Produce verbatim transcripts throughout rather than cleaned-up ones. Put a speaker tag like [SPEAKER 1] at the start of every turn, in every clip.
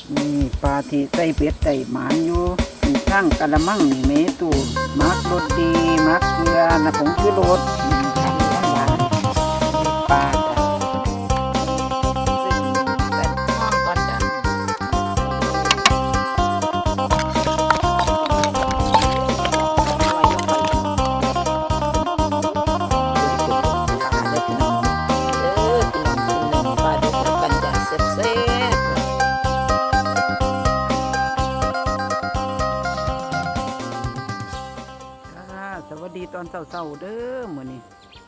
[SPEAKER 1] นี่ปลาที่ใส่เป็ดใส่หมานอยู่ข้างกะละมังนี่เมตูมักรสดีมักเกลือนะผงชูรสทำหวานปลาจ้ะซึ่งแต่ข้างก่อนจ้ะสวัสดีตอนเช้าๆเด้อมื้อนี้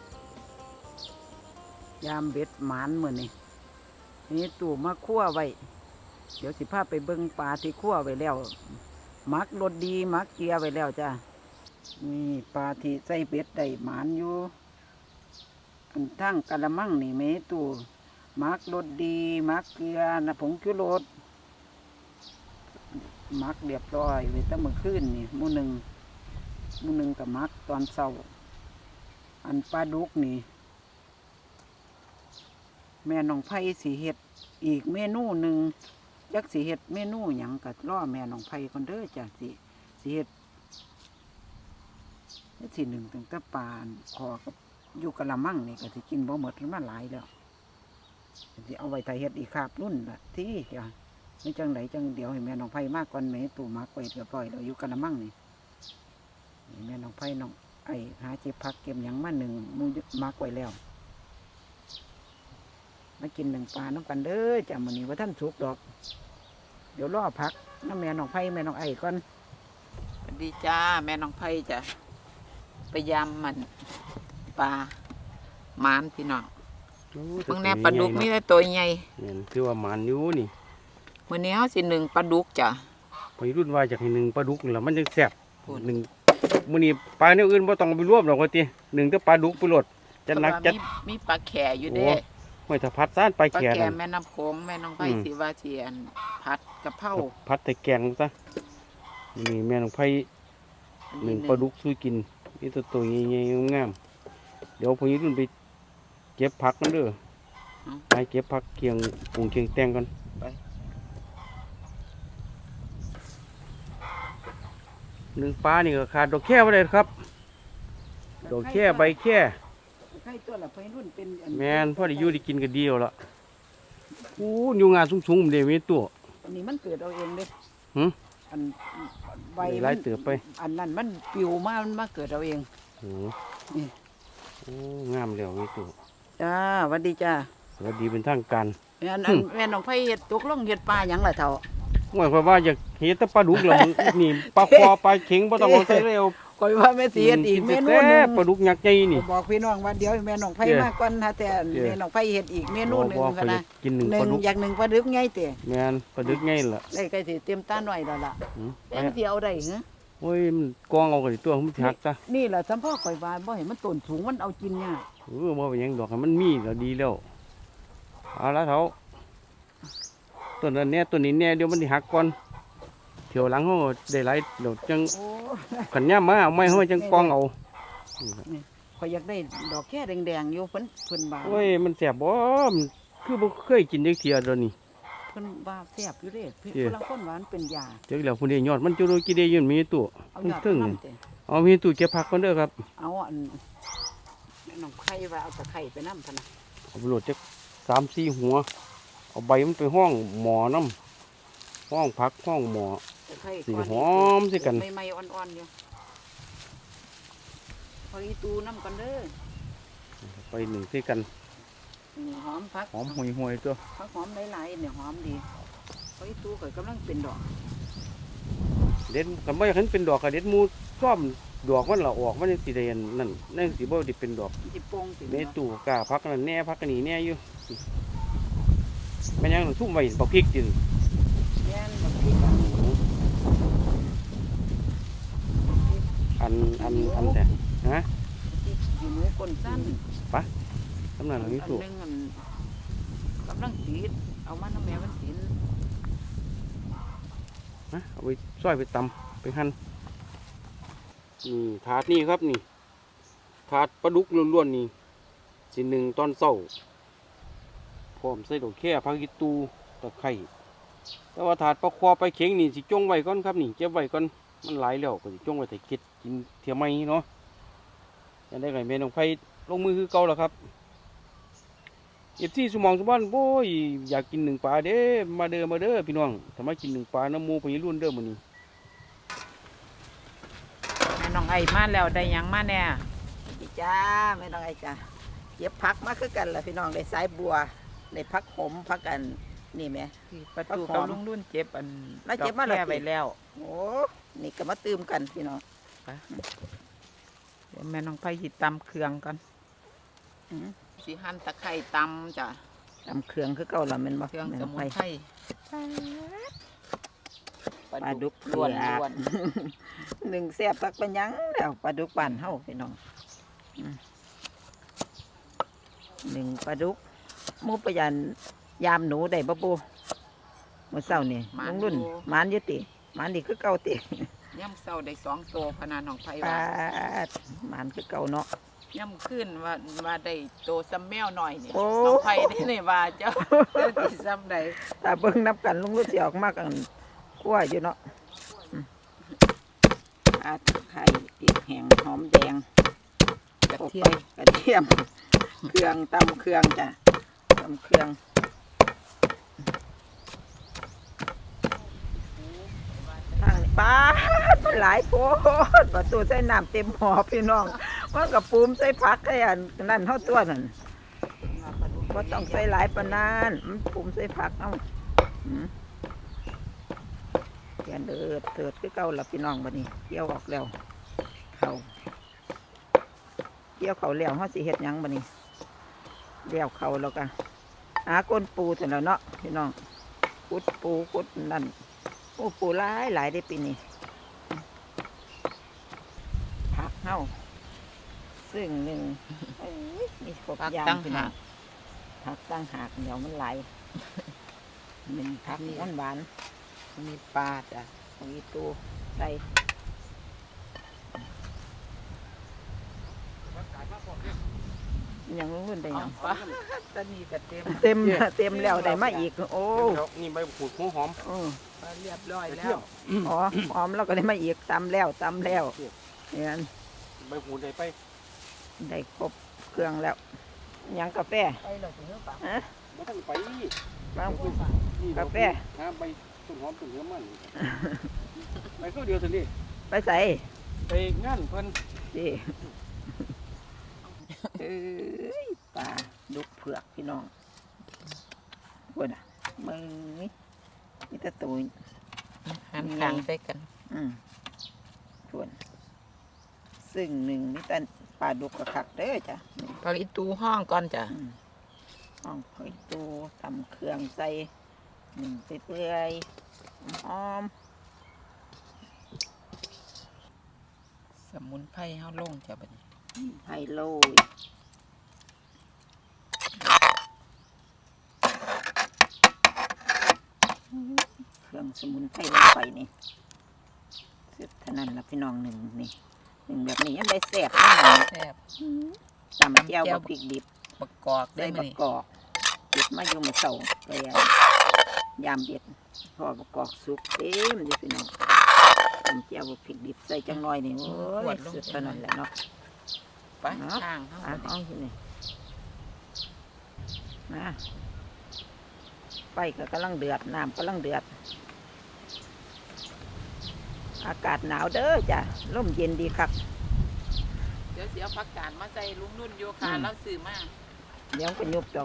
[SPEAKER 1] ยามเบ็ดหมานมื้อนี้นี่ตู่มาคั่วไว้เดี๋ยวสิพาไปเบิ่งปลาที่คั่วไว้แล้วมักรสดีมักเกลือไว้แล้วจ้ะนี่ปลาที่ใส่เบ็ดได้หมานอยู่อันทั้งกะละมังนี่แม่ตู่มักรสดีมักเกลือนะผงชูรสมักเรียบร้อยไว้ตั้งมื้อคืนนี่มื้อหนึ่งมื้อหนึ่งกับมักตอนเช้าอันปลาดุกนี่แม่น้องไผ่สีเห็ดอีกเมนูหนึ่งจักสีเห็ดเมนูหยังกัดล่อแม่น้องไผ่คนเด้อจ้ะสีสีเห็ดนี่สีหนึ่งถึงตะปานคอกับอยู่กะละมังนี่ก็สิกินบ่หมดมันหลายแล้วสิเอาไว้ไทยเห็ดอีกคาบรุ่นละที่จ้ะไม่จังไหนจังเดี๋ยวให้แม่น้องไผ่มากก่อนแม่ตู่มักไว้เรียบร้อยแล้วอยู่กะละมังนี่แม่น้องไผ่น้องไอ้หาเจ็บพักเก็บหยังมาหนึ่งมูมักไว้แล้วมากินหนึ่งปลาน้ำกันเด้อจ้ะมื้อนี้ว่าท่านสุกดอกเดี๋ยวรอพักน้ำแม่น้องไผ่แม่น้องไอ้ก่อนสวัสดีจ้าแม่น้องไผ่จ้ะพยายามมันปลาหมานพี่น้องเพิ่งแน่ปลาดุกนี่ได้ตัวใหญ่
[SPEAKER 2] เนี่ยคือว่าหมานอยู่นี่
[SPEAKER 1] มื้อนี้เฮาสิหนึ่งปลาดุกจ้ะ
[SPEAKER 2] พอรุ่นว่าจากให้หนึ่งปลาดุกแล้วมันจะแซ่บหนึ่งมื้อนี้ปลาเนี่ยอื่นบ่ต้องไปรวมหรอกว่าติหนึ่งแต่ปลาดุกไปโลดจัดหนักจัด
[SPEAKER 1] มีปลาแข่อยู่เด้
[SPEAKER 2] ห้วยถ้าพัดซ่านปลาแข่นั่น
[SPEAKER 1] แม่น้ำโขงแม่น้องไผ่สิว่าสิอันผัดกะเพรา
[SPEAKER 2] ผัดแต่แกงซะนี่แม่น้องไผ่หนึ่งปลาดุกสู้กินนี่ตัวตัวใหญ่ๆงามเดี๋ยวพอรุ่นไปเก็บผักนั่นเด้อไปเก็บผักเคียงปรุงเคียงแตงก่อนหนึ่งปลานี่ก็ขาดดอกแค่ไม่ได้ครับดอกแค่ใบแค่แมนพ่อได้อยู่ได้กินก็ดีแล้วล่ะโอ้ยงานสูงๆเดี๋ยวมีตัว
[SPEAKER 1] อันนี้มันเกิดเอาเองเด้
[SPEAKER 2] หืม
[SPEAKER 1] อันใบ
[SPEAKER 2] ไล่เติบไป
[SPEAKER 1] อันนั้นมันปิวมามันมาเกิดเอาเอง
[SPEAKER 2] โอ้นี่โอ้งามแล้วมีตัว
[SPEAKER 1] จ้าสวัสดีจ้า
[SPEAKER 2] สวัสดีเป็นทางการ
[SPEAKER 1] แม่นแม่น้องไผ่เห็ดตกลงเห็ดปลาหยังล่ะเท่า
[SPEAKER 2] หมายความว่าอยากเห็ดแต่ปลาดุกเหรอนี่ปลาคอปลาเข็งบ่ต้องเอาใส่เร็ว
[SPEAKER 1] คอยว่าแม่สีเห็ดอีกเมนูนึง
[SPEAKER 2] ปลาดุกยักษ์ใหญ่นี่
[SPEAKER 1] บอกพี่น้องว่าเดี๋ยวแม่น้องไผ่มาก่อนฮะแต่แม่น้องไผ่เห็ดอีกเมนูนึงค่ะนะ
[SPEAKER 2] กินหนึ่ง
[SPEAKER 1] ปลาดุกอยากหนึ่งปลาดุกไงเต๋
[SPEAKER 2] แม่นปลาดุกไงล่ะ
[SPEAKER 1] ได้ใกล้สิเตรียมตาหน่อยแล้วล่ะแม่ที่เอาได้เหรอ
[SPEAKER 2] โอ้ยมันกองเอากันตัวมันหักซะ
[SPEAKER 1] นี่แหละสัมพ่อคอยว่าบ่เห็นมันต้นสูงมันเอากินยาก
[SPEAKER 2] เออบ่เป็นหยังดอกมันมีก็ดีแล้วเอาละเถาต้นนั้นแน่ต้นนี้แน่เดี๋ยวมันสิหักก่อนเที่ยวหลังเขาได้หลายเดี๋ยวจังขันย่ำมาเอาไม้เขาจังกองเอา
[SPEAKER 1] คอยอยากได้ดอกแค่แดงๆอยู่เพิ่นเพิ่นบา
[SPEAKER 2] โอ้ยมันแสบบ่มันคือบ่เคยกินจักเที่ยเดี๋ยวนี้
[SPEAKER 1] เพิ่นบาแสบอยู่เด้เพิ่นกำลังคนหวานเป็นยา
[SPEAKER 2] เดี๋ยวแล้วพุ่นได้ยอดมันจุโรกิเดยืนมีตู้ถึงเอามีตู้เก็บผักก่อนเด้อครับ
[SPEAKER 1] เอาอันน้องไข่ว่าเอาตะไคร้ไปนำพะนะ
[SPEAKER 2] เอาไปโหลดจัก สามสี่ หัวเอาใบมันไปห้องหมอน้ำห้องผักห้องหมอสีหอมสิกัน
[SPEAKER 1] ไม่ๆอ่อนๆอยู่พออีตูน้ำกันเด้อ
[SPEAKER 2] ไปหนึ่งสิกัน
[SPEAKER 1] หอมผัก
[SPEAKER 2] หอมห่วยๆตัว
[SPEAKER 1] ผักหอมหลายๆเนี่ยหอมดีพออีตูก็กำลังเป็นดอก
[SPEAKER 2] เด็ดกันไม่เห็นเป็นดอกกับเด็ดมูซ่อมดอกมันละออกมันสีแดงนั่นนั่นสีบ่ดิเป็นดอก
[SPEAKER 1] สีโป่งสี
[SPEAKER 2] เมตูกาพักนั่นแน่พักกันนี่แน่อยู่แม่ยังทุ่มไว้บักพริกกิน
[SPEAKER 1] แม่บักพริก
[SPEAKER 2] อันอันอันแต่ฮะ
[SPEAKER 1] อยู่มือก้นสั้น
[SPEAKER 2] ปะกำลังนี้สุก
[SPEAKER 1] กำลังสีเอามาน้ำแม่มันสี
[SPEAKER 2] นะเอาไปซอยไปตำไปหั่นนี่ถาดนี่ครับนี่ถาดปลาดุกล้วนๆนี่สิหนึ่งตอนเศร้าพร้อมใส่ดอกแค่ผักอีตูตะไคร้แต่ว่าถาดปลาคอไปเข็งนี่สิจงไว้ก่อนครับนี่เก็บไว้ก่อนมันหลายแล้วก็สิจงไว้แต่เก็ดกินเทียมไม่เนาะจะได้ไงแม่น้องไผ่ลงมือคือเก่าแล้วครับเอฟซีสมองสมบันโอ้ยอยากกินหนึ่งปลาเด้มาเด้อมาเด้อพี่น้องทำไมกินหนึ่งปลาน้ำหมูไปรุ่นเด้อมื้อนี้
[SPEAKER 1] แม่น้องไอ้มาแล้วได้หยังมาแน่พี่จ้าแม่น้องไอ้จ้าเก็บผักมาคือกันล่ะพี่น้องได้สายบัวได้ผักขมผักกันนี่แม่
[SPEAKER 3] ประตูกับลุงรุ่นเจ็บอัน
[SPEAKER 1] มาเจ็บมาแล้ว
[SPEAKER 3] ดอกแค่ไว้แล้ว
[SPEAKER 1] โอ้นี่ก็มาตื่มกันพี่น้อง
[SPEAKER 3] เดี๋ยวแม่น้องไผ่หยิบตำเครื่องก่อน
[SPEAKER 1] อืม
[SPEAKER 3] สิหั่นตะไคร้ตำจ้ะ
[SPEAKER 1] ตำเครื่องคือเก่าละแม่นบ่
[SPEAKER 3] เครื่อง
[SPEAKER 1] แม่
[SPEAKER 3] ส
[SPEAKER 1] น้อง
[SPEAKER 3] มุน
[SPEAKER 1] ไผ่
[SPEAKER 3] ไพร
[SPEAKER 1] ปลาดุกล้วนล้วนหนึ่งแซ่บสักเป็นหยังแล้วปลาดุกบ้านเฮาพี่น้องอืมหนึ่งปลาดุกหมูประยันยามหนูได้บ่ปูมื้อเช้านี่ลุงรุ่นหมานอยู่ติหมานนี่คือเก่าติ
[SPEAKER 3] ย่ำเศร้าได้สองโตพะนาน้องไผ่
[SPEAKER 1] ป
[SPEAKER 3] ว่า
[SPEAKER 1] ลาดหมานคือเก่าเนาะ
[SPEAKER 3] ย่ำขึ้นว่าว่าได้โตซ้ำแมวหน่อยนี่
[SPEAKER 1] โอ้
[SPEAKER 3] น้องไผ่ได้เลยว่าเจ้าเจ้าสิซ้ำใด
[SPEAKER 1] ถ้าเบิ่งนับกันลุงรุ่นสิออกมากันคั่วอยู่เนาะอืมอาไข่พริกแห้งหอมแดง
[SPEAKER 3] กระ
[SPEAKER 1] โขลก
[SPEAKER 3] เทีย
[SPEAKER 1] ไป
[SPEAKER 3] ม
[SPEAKER 1] กระเทียม เครื่องตำเครื่องจ้ะตำเครื่องทางนี้ป้าดหลายโพดประตูใส่น้ำเต็มหอพี่น้องมันกับปูมใส่ผักไอ้อันนั่นเท่าตัวนั่นก็ต้องใส่หลายปานนั้นมันปูมใส่ผักเอาอืมเกียนเดือดเดือดคือเก่าละพี่น้องบัดนี้เกี่ยวออกแล้วเขาเกี่ยวเขาแล้วเขาสิเฮ็ดหยังบัดนี้เลี้ยวเขาแล้วกันหาก้นปูเสร็จแล้วเนาะพี่น้องกุดปูกุดนั่นโอ้ปูหลายหลายได้ปีนี้ผักเฮาซึ่งหนึ่งเอ้ยมีครบ
[SPEAKER 3] ผัก
[SPEAKER 1] อย่าง
[SPEAKER 3] ตั้ง
[SPEAKER 1] พี่น้
[SPEAKER 3] หา
[SPEAKER 1] อง
[SPEAKER 3] ก
[SPEAKER 1] ผักตั้งหากเดี๋ยวมันไหลายหนึ่งผักหวานหวาน
[SPEAKER 3] มีปลาจ้ะ
[SPEAKER 1] ๆมีตัวใส่ยังรุ่นได้ห
[SPEAKER 3] เอา
[SPEAKER 1] ยัง
[SPEAKER 3] ปลาตอนนี้ก็เต็ม
[SPEAKER 1] เต็มเต็มแล้วได้มาอีก โอ้
[SPEAKER 2] นี่ใบขูดหัวหอม
[SPEAKER 1] เออ
[SPEAKER 3] ปลาเรียบร้อย
[SPEAKER 2] กระ
[SPEAKER 3] แล้
[SPEAKER 2] เทียว ม
[SPEAKER 1] อ๋อหอมแล้วก็ได้มาอีกตำแล้วตำแล้วเนี่ย
[SPEAKER 2] ใบขูดได้ไป
[SPEAKER 1] ได้ครบเครื่องแล้วหยังกาแฟ
[SPEAKER 3] ไปเราถึงเนื้อปลา
[SPEAKER 1] ฮะ
[SPEAKER 2] บ่ต้องไป
[SPEAKER 1] บาง
[SPEAKER 2] นี่
[SPEAKER 1] กาแฟ
[SPEAKER 2] หาใบต้นหอมต้นเหือมันไปเข้าเดียวสินี่
[SPEAKER 1] ไปใส่
[SPEAKER 2] ไปงานเพิ่น
[SPEAKER 1] ดิเอ้ยปลาดุกเผือกพี่น้องพูดอ่ะมึงนี่นี่ตะตูน
[SPEAKER 3] หันขางใส่กัน
[SPEAKER 1] อืมทวนซึ่งหนึ่งนี่แต่ปลาดุกกระคักเด้อจ้ะนี่
[SPEAKER 3] พออีตูห้องก่อนจ้ะ
[SPEAKER 1] อืมห้องหอยตูตำเครื่องใส่หนึ่งไปเปื่อยๆหอม
[SPEAKER 3] สมุนไพรเฮาลงจ้ะบัดนี้
[SPEAKER 1] ๆไฮโลยเครื่องสมุนไพรลงไปนี่เสร็จเท่านั้นละพี่น้องหนึ่งนี่หนึ่งแบบนี้ยังได้แซ่บแน่นอน
[SPEAKER 3] แซ่บ
[SPEAKER 1] ตำแก้วบะพริกดิบ
[SPEAKER 3] ประกอบได้
[SPEAKER 1] ได้
[SPEAKER 3] ไหม
[SPEAKER 1] ประกอบเก็บมาอยู่มาเสาเลยอะยามเด็ดพอประกอบสุกเต็มอยู่พี่น้องตำแก้วบะพริกดิบใส่จังน้อยนี่โอ้ยสุดเท่านั้นแหละเนาะ
[SPEAKER 3] ไปข้างเฮา
[SPEAKER 1] อ่ะ
[SPEAKER 3] บัด
[SPEAKER 1] เอา
[SPEAKER 3] นี้
[SPEAKER 1] สินี่นะไฟก็กำลังเดือดน้ำกำลังเดือด อากาศหนาวเด้อจ้ะร่มเย็นดีครับ
[SPEAKER 3] เดี๋ยวสิเอาผักกาดมาใส่ลุงนุ่นโยคาแล้วซื้อมา
[SPEAKER 1] เดี๋ยวก็ยุบดอก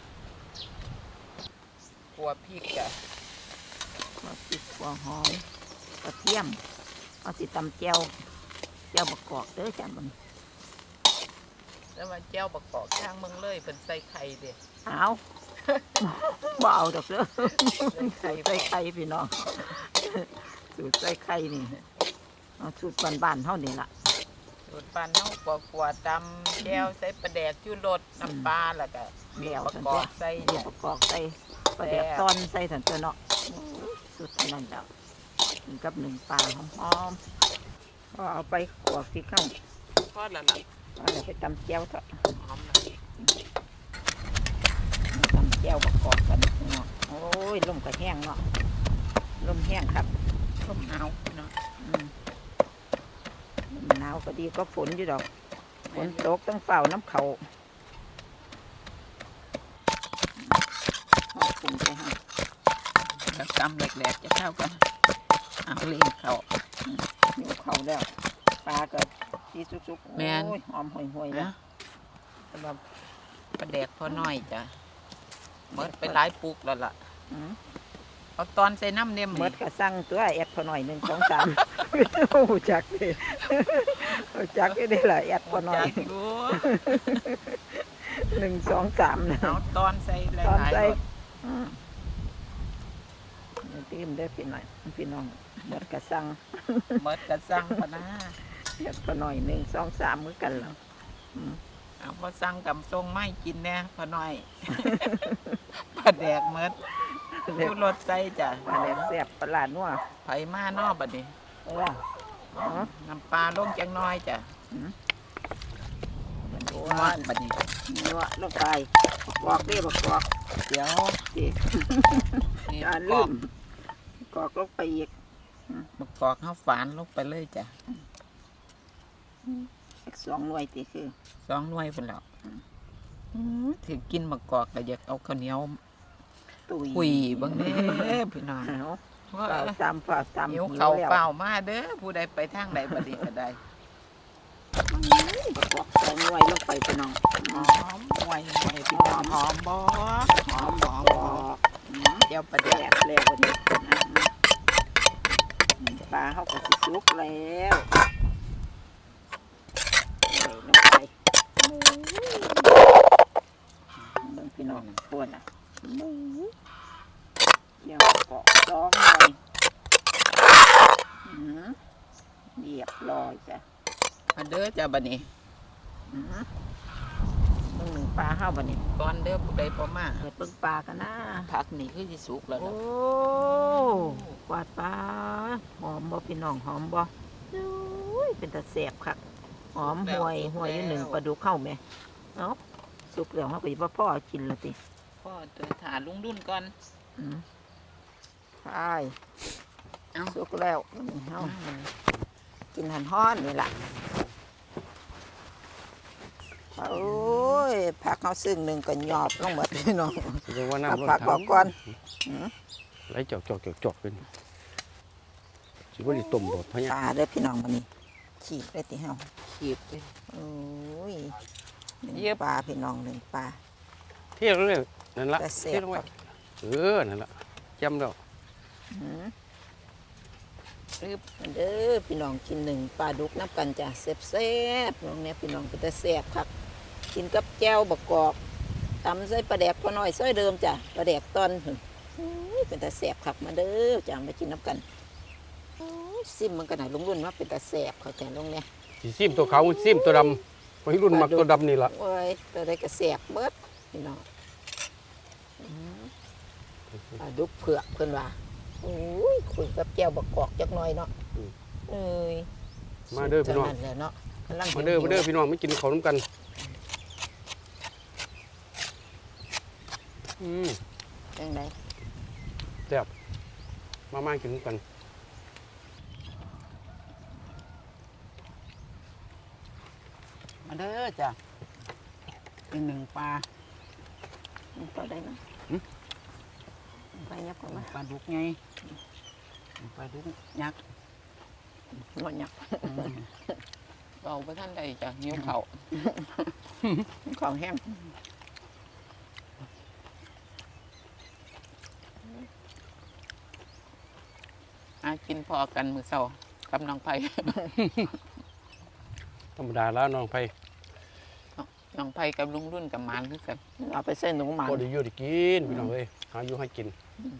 [SPEAKER 3] ขัวพริกจ้ะ
[SPEAKER 1] หัวพริกหัวหอมกระเทียมเอาสิตำแก้วแก้วประกอบเด้อจ้ะมัน
[SPEAKER 3] แล้วมาแจ้วประกอบข้างเมืองเลยเป็นใส่ไข่เด้
[SPEAKER 1] เอา บ่เอาดอกเด้อ
[SPEAKER 3] ใส่ไข่
[SPEAKER 1] ใส่ไข่พี่น้องสูตรใส่ไข่นี่เอาสูตรบ้านๆเท่านี้ล่ะ
[SPEAKER 3] สูตรปานเฮากัวกัวตำแก้วใส่ปลาแดกชูรสน้ำปลาแล้วก็
[SPEAKER 1] เดี่ยว
[SPEAKER 3] ประ
[SPEAKER 1] สัน
[SPEAKER 3] กอ
[SPEAKER 1] ตัว
[SPEAKER 3] บใส่
[SPEAKER 1] เดี่ยวประกอบใส่ประเดี๋ยวตอนใส่สันตัวเนาะโอ้ยสุดเท่านั้นแล้วกินกับหนึ่งปลาหอมๆก็เอาไปขวบที่เข้า
[SPEAKER 3] ทอดแล้วล่ะ
[SPEAKER 1] เอาเดี๋ยวไปตำแก้วเถอะ
[SPEAKER 3] หอมแล้ว
[SPEAKER 1] ตำแก้วประกอบกันเนาะโอ้ยลมก็แห้งเนาะห้งครับ
[SPEAKER 3] ลมหนาวเนาะ
[SPEAKER 1] อืมหนาวก็ดีก็ฝนอยู่ดอกฝนตกต้องเฝ้าน้ำเขาขอบคุณไปให้
[SPEAKER 3] แล้วกำแหลกๆจะเข้ากันเอาเลี้ยงเขา
[SPEAKER 1] หิวเขาแล้วปลาก็ที่สุกๆ
[SPEAKER 3] แม่น
[SPEAKER 1] โอ้ยหอมห่วยๆแล้ว
[SPEAKER 3] นะสำหรับประแดกพอน้อยจ้ะเมิดไปหลายปุกแล้วล่ะ
[SPEAKER 1] อืม
[SPEAKER 3] เอาตอนใส่น้ำเนี่ย
[SPEAKER 1] เมดก็สั่งตัวแอดพอหน่อยหนึ่งสองสามโอ้โหจักเลยโอ้จักได้เลยล่ะแอดพอหน่อย
[SPEAKER 3] จักดู
[SPEAKER 1] หนึ่งสองสามนะ
[SPEAKER 3] เอาตอนใส่ห
[SPEAKER 1] ตอน
[SPEAKER 3] ลาย
[SPEAKER 1] ใส่
[SPEAKER 3] ๆรส
[SPEAKER 1] อืมตีมได้พี่หน่อยพี่น้องเมดก็สั่ง
[SPEAKER 3] เมิดกระซังพะนะ
[SPEAKER 1] แอดพอหน่อยหนึ่งสองสามมือกันแล้ว
[SPEAKER 3] เอาพอสั่งกับทรงไม่กินแน่พอน้อย ประแดกเมิด
[SPEAKER 1] เรียก
[SPEAKER 3] ผู้รสใส่จ้ะ
[SPEAKER 1] ปลาแดกแซ่บปลาหลาดนัว
[SPEAKER 3] ไผมานอกบัดนี้
[SPEAKER 1] เอออ๋อ
[SPEAKER 3] น้ำปลาลงจังน้อยจ้ะ
[SPEAKER 1] นัว
[SPEAKER 3] นวดบัดนี้
[SPEAKER 1] นัวลงไปกรอกเด้บักกรอก
[SPEAKER 3] เดี๋ยว
[SPEAKER 1] สิ
[SPEAKER 3] นี่
[SPEAKER 1] อย่า
[SPEAKER 3] บ
[SPEAKER 1] ลื
[SPEAKER 3] อก
[SPEAKER 1] มกรอกลงไปอีก
[SPEAKER 3] บักกอกข้าวฝานลงไปเลยจ้ะ
[SPEAKER 1] อีกสองหน่วยตีคือ
[SPEAKER 3] สองหน่วยพุ่นแล้วถือกินบักกอกก็อยากเอาข้าวเหนียว
[SPEAKER 1] ตุย
[SPEAKER 3] คุยเบังเด้อพี่น้อง
[SPEAKER 1] เอา
[SPEAKER 3] ว่า
[SPEAKER 1] เปล่าตามเปล่าตาม
[SPEAKER 3] หิว
[SPEAKER 1] หิว
[SPEAKER 3] เขา
[SPEAKER 1] แล้ว
[SPEAKER 3] เปล่ามาเด้อผู้ใดไปทางใดบัดนี้ก็ได้
[SPEAKER 1] บอกสองหน่วยลงไปพี่น้อง
[SPEAKER 3] หอมหวยหวยพี่น้องหอมบ่หอมหอม
[SPEAKER 1] บ
[SPEAKER 3] ห
[SPEAKER 1] อ
[SPEAKER 3] อม
[SPEAKER 1] ก
[SPEAKER 3] เดี๋ยวประ
[SPEAKER 1] แด
[SPEAKER 3] แดก
[SPEAKER 1] กแล้ววันนี้ปลาเขาก็สิสุกแล้วใส่ลงไปเบิ่งพี่น้องปวดอ่ะเดี๋ยวเกาะสองหน่วยอืมเรียบร้อยจ้ะ
[SPEAKER 3] มาเด้อจ้าบัดนี้
[SPEAKER 1] อืมเบิ่งหนึ่งปลาเข้าบันนี้
[SPEAKER 3] ก่อนเด้อผู้ใดบ่มา
[SPEAKER 1] เปิดเบิ่งปลากันนะ
[SPEAKER 3] ผักนี่คือสิสุกแล้ว
[SPEAKER 1] โอ้
[SPEAKER 3] นะ
[SPEAKER 1] กวาดปลาหอมบ่พี่น้องหอมบ่โอ้ยเป็นตาแสบครับหอมห่วยห่วยอยู่หนึ่งปลาดุกเข้าไหมเอ้าสุกแล้วเขาก็จะพ่อกินละติ
[SPEAKER 3] พ่อตัวถาลุงดุนก่อน
[SPEAKER 1] อืมไป
[SPEAKER 3] เอ้า
[SPEAKER 1] สุกแล้วเฮากินหันห้อนนี่ล่ะโอ้ยผักเขาซึ่งหนึ่งก็หยอบลงหมดพี่น้อง
[SPEAKER 2] แสดงว่า
[SPEAKER 1] เอา
[SPEAKER 2] น้ำลด
[SPEAKER 1] ผักออกก่อนอืม
[SPEAKER 2] ไหลจอกจอกจอกจอกเป็นสิว่าดิต้มโดดพะ
[SPEAKER 1] ป
[SPEAKER 2] เนี่ย
[SPEAKER 1] ลาเด้อพี่น้องวันนี้ขีดได้ติเฮา
[SPEAKER 3] ขีบเลย
[SPEAKER 1] โอ้ยหนึ่ง
[SPEAKER 3] เย็บ
[SPEAKER 1] ปลาพี่น้องหนึ่งปลา
[SPEAKER 2] เที่ยวเลยนั่นละ
[SPEAKER 1] แต่แซ่บ
[SPEAKER 2] เที่ยวลงไปเออนั่นละจำแล้ว
[SPEAKER 1] หืมรึบอันเด้อพี่น้องกินหนึ่งปลาดุกน้ำกันจ้ะแซ่บๆน้องเนี่ยพี่น้องก็จะแซ่บครับกินกับแก้วบกกอกตำใส่ปลาแดกพอน้อยซอยเดิมจ้ะปลาแดกตอนหึอุ้ยเป็นตาแซ่บครับมาเด้อจ้ะมากินน้ำกันโอ้ยซิมมันกันไหนลุงรุ่นว่าเป็นตาแซ่บเขาแต่ลงเนี่ย
[SPEAKER 2] สีซิมตัวขาวซิมตัวดำวัยรุ่นมักตัวดำนี่ละ
[SPEAKER 1] โอ้ยตัวใดก็แซ่บเบิดพี่น้องอืมปลาดุกเผือกเพิ่นว่าโอ้ยคุยกับแก้วบกกอกจักหน่อยเนาะเอ้ย
[SPEAKER 2] มาเด้อพี่น้อง
[SPEAKER 1] สุดเท่าแหละเนาะกำลัง
[SPEAKER 2] มาเด้อมาเด้อ
[SPEAKER 1] หิว
[SPEAKER 2] พี่น้องไม่กินข้าวน้ำกันอืม
[SPEAKER 1] ๆจังได
[SPEAKER 2] แซ่บมามากินน้ำกัน
[SPEAKER 3] มาเด้อจ้ะอีกหนึ่งปลา
[SPEAKER 1] มันก็ได้เนาะไปยับก่อนมา
[SPEAKER 3] ปลาดุกไงปลาดุกยักษ์
[SPEAKER 1] หมดยับ
[SPEAKER 3] เอาไปท่านใดจ้ะหิวเขาว
[SPEAKER 1] ของแห้ง
[SPEAKER 3] อากินพอกันมือเศร้ากับน้องไผ่
[SPEAKER 2] ธรรมดาแล้วน้องไผ่
[SPEAKER 3] น้องไผ่กับลุงรุ่นกับหมานคือกัน
[SPEAKER 1] เอาไปใส่หนูหมัน
[SPEAKER 2] พอได้อยู่ได้กินพี่น้องเอ้ยหาอยู่ให้กิน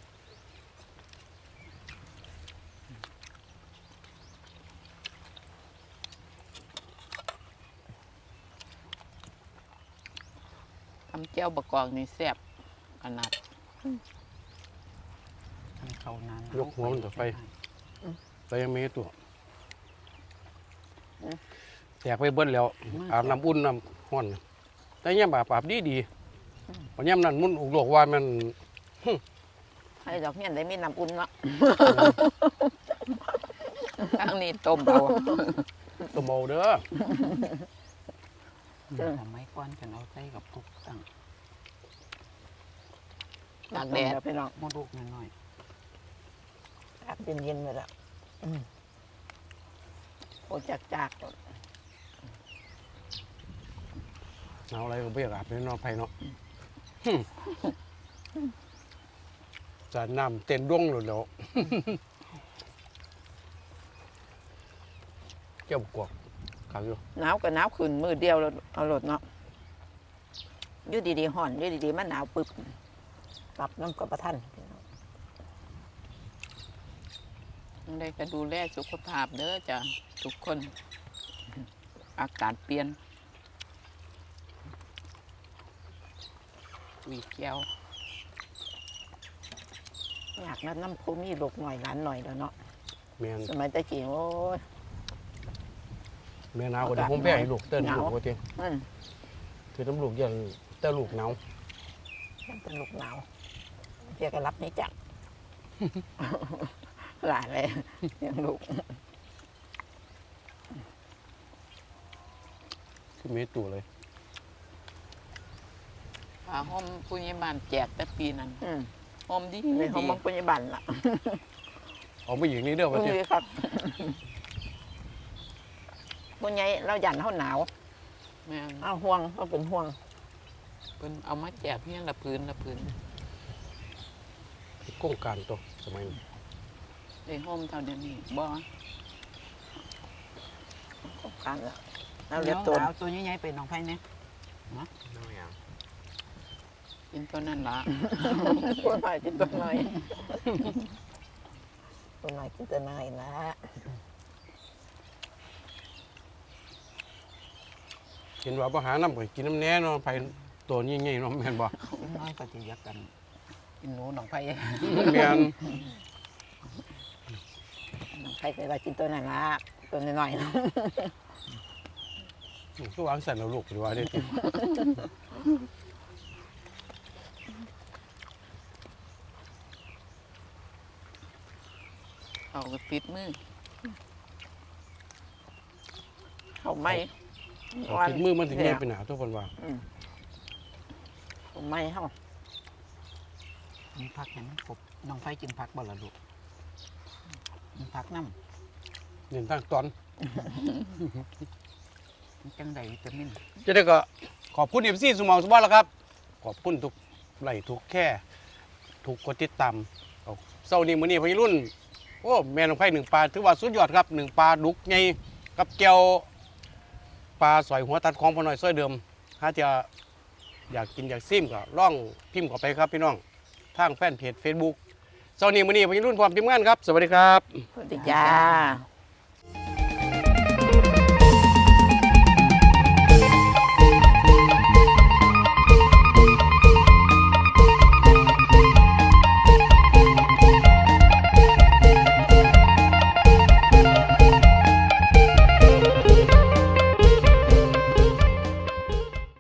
[SPEAKER 3] ทำเจ้าบะกอกนี่แซ่บขนาดทำเขานาน
[SPEAKER 2] ยกหัวมันต่อไปแต่ยังไม่ให้ตัวแตกไปเบิ้ลแล้วอาบน้ำอุ่นน้ำห้อนแต่ย่ำอาบอาบดีดีวันย่ำนั้นมุนอุกโลกว่ามันหึ
[SPEAKER 3] ให้ดอกเงี้ยได้มีน้ำอุ่นเนาะทางนี้ต้มเอา
[SPEAKER 2] ตัวเมาเด้อ
[SPEAKER 1] ทำไมก้อนกันเอาใส่กับปุกตั้ง
[SPEAKER 3] ตากแดดพี่น้อง
[SPEAKER 1] มดลูกน้อย
[SPEAKER 3] อากเย็นๆเลยละโอ้จากจาก
[SPEAKER 2] เอาอะไรก็ไม่อยากอาบในนอนไผ่เนาะจะน้ำเต้นร่วงหลุดแล้วเกี่ยวกวกขังอยู่
[SPEAKER 3] หนาวกับหนาวขึ้นมือเดียวแล้วเอารถเนาะอยู่ดีๆห่อนอยู่ดีๆมันหนาวปึ๊บปรับน้ำกับประทันได้ก็ดูแลสุขภาพเด้อจ้ะทุกคนอากาศเปลี่ยนวีแก้วอยากนัดน้ำพุมีลูกหน่อยหลานหน่อยแล้วเนาะ
[SPEAKER 2] แม่น
[SPEAKER 3] สมัยตะกี้โอ้ย
[SPEAKER 2] แม่หนาวก็ได้ผมแพ้ให้ลูกเต้น
[SPEAKER 3] หนาว
[SPEAKER 2] ลูกปกติ
[SPEAKER 3] อืม
[SPEAKER 2] คือน้ำลูกอย่างเต้นลูกหนาว
[SPEAKER 3] มันเป็นลูกหนาวเพียก็รับนี่จัก หลายเลยยังลูก
[SPEAKER 2] คือเมตัวเลย
[SPEAKER 3] ผ้าห่มปุญญบานแจกแต่ปีนั้นห่มดี
[SPEAKER 1] ในห้องมัง
[SPEAKER 3] ปุญญบันล่ะ
[SPEAKER 2] เอาไปอย่างนี้เด้อ
[SPEAKER 3] ปุ
[SPEAKER 2] วะ
[SPEAKER 3] ญ
[SPEAKER 2] เจ้
[SPEAKER 3] ญครับปุญญเราหยันเขาหนาวเอาห่วงเขาเป็นห่วงเป็นเอามาแจกเนี่ยละพื้นละพื้น
[SPEAKER 2] โครงการตัวสมัยนี้
[SPEAKER 3] ไอ้ห่มเท่าเดี๋ยวนี้บ่โครงการละ
[SPEAKER 1] ๆ
[SPEAKER 3] เราเรียกตัว
[SPEAKER 1] เอาตัวใหญ่ๆไปน้องไผ่เนี่ย
[SPEAKER 3] กินตัวนั้นละตัวหน่อยกินตัวหน่อยตัวหน่อยกินตัวหน่อยนะ
[SPEAKER 2] เห็นว่าบ่หาน้ำก็กินน้ำแน่เนาะไผ่ตัวนี้ไงเนาะแม่นบ่
[SPEAKER 1] น้อยก็จะยักกันกินหนูน้องไผ่
[SPEAKER 2] แม่น
[SPEAKER 3] ใครเคยว่ากินตัวนั้นละตัวน้อยๆนะ
[SPEAKER 2] ก็วางใส่เราลูกหรือว่าได้ติ
[SPEAKER 3] เขาก็ติดมือเขาไม่
[SPEAKER 2] เอาติดมือมันถึงแย่ไปหนาทุกคนว่า
[SPEAKER 3] เขาไม่เขา
[SPEAKER 1] มีผักเห็นมันครบน้องไผ่กินผักบ่ล่ะลูกมีผักน้
[SPEAKER 2] เน้นทางตอน
[SPEAKER 1] ำมันจังใดวิตามิน
[SPEAKER 2] จะได้ก็ขอบคุณเอฟซีสมองสมบัติแล้วครับ ขอบคุณทุกไลค์ทุกแค่ทุกกดติดตามเอาเศร้านี้มื้อนี้พี่รุ่นโอ้แม่น้องไผ่หนึ่งปลาถือว่าสุดยอดครับหนึ่งปลาดุกใหญ่กับแก้วปลาสอยหัวตัดของพอหน่อยซอยเดิมถ้าจะอยากกินอยากซิมก็ล่องพิมพ์เข้าไปครับพี่น้องทางแฟนเพจ Facebook เศร้านี้มื้อนี้พี่รุ่นพร้อมทีมงานครับสวัสดีครับ
[SPEAKER 3] สวัสดีจ้า